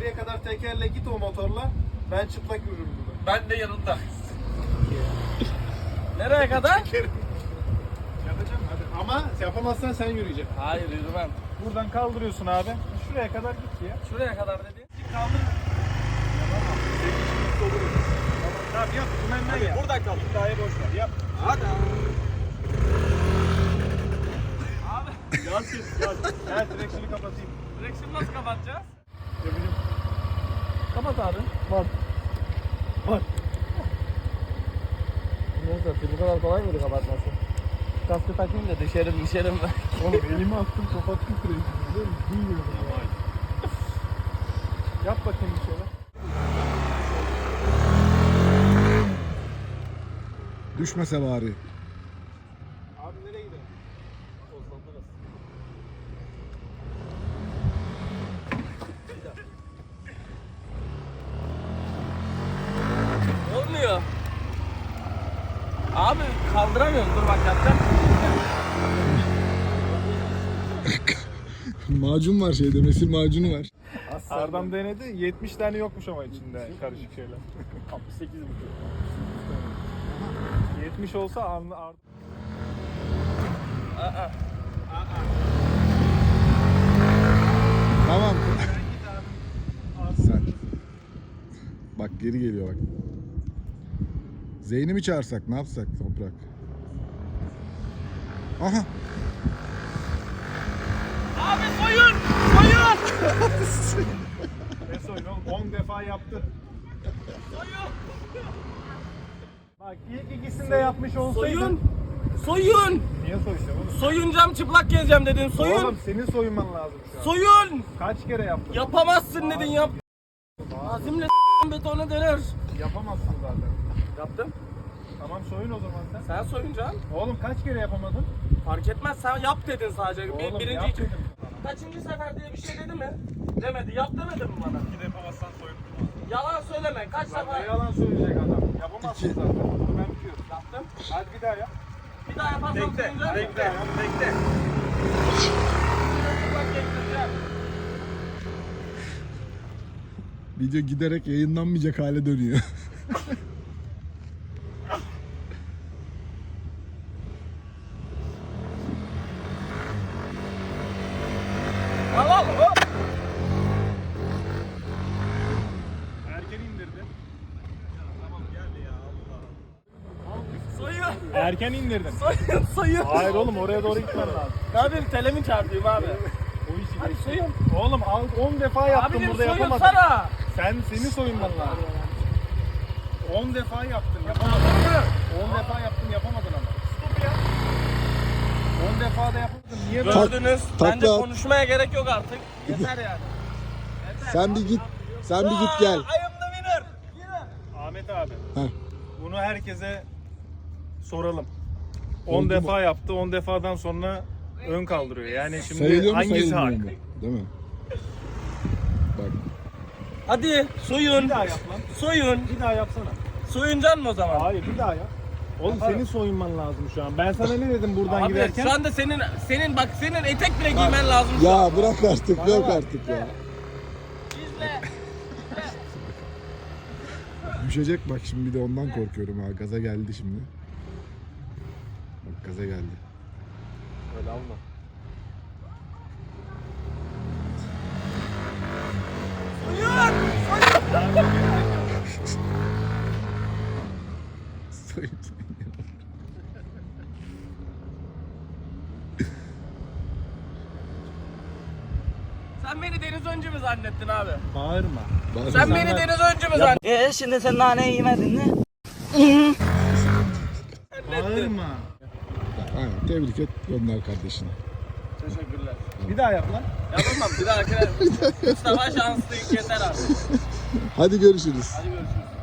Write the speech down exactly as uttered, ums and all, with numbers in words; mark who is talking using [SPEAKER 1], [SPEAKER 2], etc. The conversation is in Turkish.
[SPEAKER 1] geriye kadar tekerle git o motorla. Ben çıplak yürürüm burada.
[SPEAKER 2] Ben de yanında. Nereye kadar?
[SPEAKER 1] Yapacağım hadi. Ama yapamazsan sen yürüyeceksin.
[SPEAKER 2] Hayır yürümem.
[SPEAKER 1] Buradan kaldırıyorsun abi. Şuraya kadar git ya.
[SPEAKER 2] Şuraya kadar dedi.
[SPEAKER 1] Kaldır. Yapamam. Tamam yap. Dümenden yap.
[SPEAKER 2] Buradan kal.
[SPEAKER 1] İddiayı boş ver. Yap.
[SPEAKER 2] Hadi.
[SPEAKER 1] Abi. Gaz kes. Gaz. Gel direksiyonu kapatayım.
[SPEAKER 2] Direksiyonu nasıl kapatacağız?
[SPEAKER 1] Yapacağım.
[SPEAKER 2] Kapat abi.
[SPEAKER 1] Bak. Bak.
[SPEAKER 2] Neyse bu kadar kolay mıydı kapatması? Kaskı takayım da düşerim düşerim ben.
[SPEAKER 1] Oğlum elimi attım kapattım direksiyonu. Biliyor musun? Duymuyorum. Yap bakayım bir şeyler.
[SPEAKER 3] Düşmese bari.
[SPEAKER 1] Abi nereye gidelim?
[SPEAKER 2] Olmuyor. Abi kaldıramıyorum. Dur bak yapacağım.
[SPEAKER 3] Macun var şeyde, mesir macunu var.
[SPEAKER 1] Serdam denedi. yetmiş tane yokmuş ama içinde karışık şeyler.
[SPEAKER 2] altmış sekiz buçuk.
[SPEAKER 1] yetmiş olsa anlı art.
[SPEAKER 2] Aa.
[SPEAKER 3] Tamam. Sen. Bak geri geliyor bak. Zeyn'i mi çağırsak, ne yapsak Toprak? Aha.
[SPEAKER 2] Abi soyun! Soyun!
[SPEAKER 1] Ne soyun oğlum? on defa yaptı.
[SPEAKER 2] Soyun!
[SPEAKER 1] Bak ilk ikisini de yapmış olsaydın.
[SPEAKER 2] Soyun! Soyun!
[SPEAKER 1] Niye soyacağım oğlum?
[SPEAKER 2] Soyunacağım, çıplak gezeceğim dedin. Soyun!
[SPEAKER 1] Oğlum senin soyunman lazım şu an.
[SPEAKER 2] Soyun!
[SPEAKER 1] Kaç kere yaptın?
[SPEAKER 2] Yapamazsın dedin yap. Azimle s*** betona döner.
[SPEAKER 1] Yapamazsın zaten.
[SPEAKER 2] Yaptım.
[SPEAKER 1] Tamam soyun o zaman sen.
[SPEAKER 2] Sen soyunacaksın.
[SPEAKER 1] Oğlum kaç kere yapamadın?
[SPEAKER 2] Fark etmez, sen yap dedin sadece. Bir,
[SPEAKER 1] Oğlum
[SPEAKER 2] birinci
[SPEAKER 1] yap
[SPEAKER 2] iki.
[SPEAKER 1] dedim sana.
[SPEAKER 2] Kaçıncı sefer diye bir şey dedi mi? Demedi. Yap demedi mi bana?
[SPEAKER 1] Bir de yapamazsan soyun.
[SPEAKER 2] Yalan söyleme. Kaç
[SPEAKER 1] Bak ne
[SPEAKER 2] sefer
[SPEAKER 1] yalan söyleyecek adam. Yapamazsın zaten. Bunu ben biliyorum.
[SPEAKER 2] yaptım?
[SPEAKER 1] Hadi bir daha yap.
[SPEAKER 2] Bir daha yaparsam soyunacağım.
[SPEAKER 1] Bir daha yap. Bekle.
[SPEAKER 2] Çıplak gezdireceğim.
[SPEAKER 3] Video giderek yayınlanmayacak hale dönüyor.
[SPEAKER 2] Al al hop.
[SPEAKER 1] Erken indirdi. Tamam gel ya Allah.
[SPEAKER 2] Soyun.
[SPEAKER 1] Erken indirdin.
[SPEAKER 2] Soyun. Soyun.
[SPEAKER 1] Hayır oğlum oraya doğru gitmen lazım.
[SPEAKER 2] Ne yapayım? Telemi çarpayım abi.
[SPEAKER 1] O işi
[SPEAKER 2] Hadi
[SPEAKER 1] geç.
[SPEAKER 2] soyun.
[SPEAKER 1] Oğlum al on defa yaptın
[SPEAKER 2] Abicim
[SPEAKER 1] burada yapamadın.
[SPEAKER 2] soyunsana.
[SPEAKER 1] Sen seni soyunman lazım. on defa yaptın yapamadın. on defa yaptın yapamadın ama. Stop ya. on defa da yapamadın. Niye böyle?
[SPEAKER 2] Gördünüz.
[SPEAKER 3] takla
[SPEAKER 2] Bence
[SPEAKER 3] at.
[SPEAKER 2] konuşmaya gerek yok artık. Yeter yani.
[SPEAKER 3] Sen bir git. Sen bir git gel.
[SPEAKER 2] I am the winner. Winner.
[SPEAKER 1] Ahmet abi.
[SPEAKER 3] Heh.
[SPEAKER 1] Bunu herkese soralım. on
[SPEAKER 3] Oldu mu?
[SPEAKER 1] defa yaptı. on defadan sonra ön kaldırıyor. Yani şimdi
[SPEAKER 3] Sayılıyor mu
[SPEAKER 1] hangisi
[SPEAKER 3] sayılmıyor
[SPEAKER 1] hak?
[SPEAKER 3] mu? Değil mi? Bak.
[SPEAKER 2] Hadi soyun.
[SPEAKER 1] Bir daha yap lan.
[SPEAKER 2] Soyun.
[SPEAKER 1] Bir daha yapsana.
[SPEAKER 2] Soyuncan mı o zaman?
[SPEAKER 1] Hayır bir daha yap. Oğlum senin soyunman lazım şu an. Ben sana ne dedim buradan
[SPEAKER 2] Abi
[SPEAKER 1] giderken?
[SPEAKER 2] şu anda senin senin bak senin etek bile giymen lazım. şu
[SPEAKER 3] Ya
[SPEAKER 2] an.
[SPEAKER 3] bırak artık, yok artık ya.
[SPEAKER 2] İzle.
[SPEAKER 3] Düşecek bak şimdi, bir de ondan korkuyorum ha. Gaza geldi şimdi. Bak gaza geldi.
[SPEAKER 1] Öyle alma.
[SPEAKER 2] Soyun.
[SPEAKER 3] Soyun soyun.
[SPEAKER 2] Sen beni Deniz Öncü mü zannettin abi?
[SPEAKER 1] Bağırma.
[SPEAKER 3] Bazı
[SPEAKER 2] Sen
[SPEAKER 3] zaman-
[SPEAKER 2] beni Deniz Öncü mü zannettin?
[SPEAKER 4] Ee şimdi sen nane yemedin mi?
[SPEAKER 1] Bağırma.
[SPEAKER 3] Aynen, tebrik et, gönder kardeşini.
[SPEAKER 2] Teşekkürler.
[SPEAKER 1] Bir daha yap lan.
[SPEAKER 2] Yapamam bir dahakine. Mustafa şanslıyım yeter abi.
[SPEAKER 3] Hadi görüşürüz.
[SPEAKER 2] Hadi görüşürüz.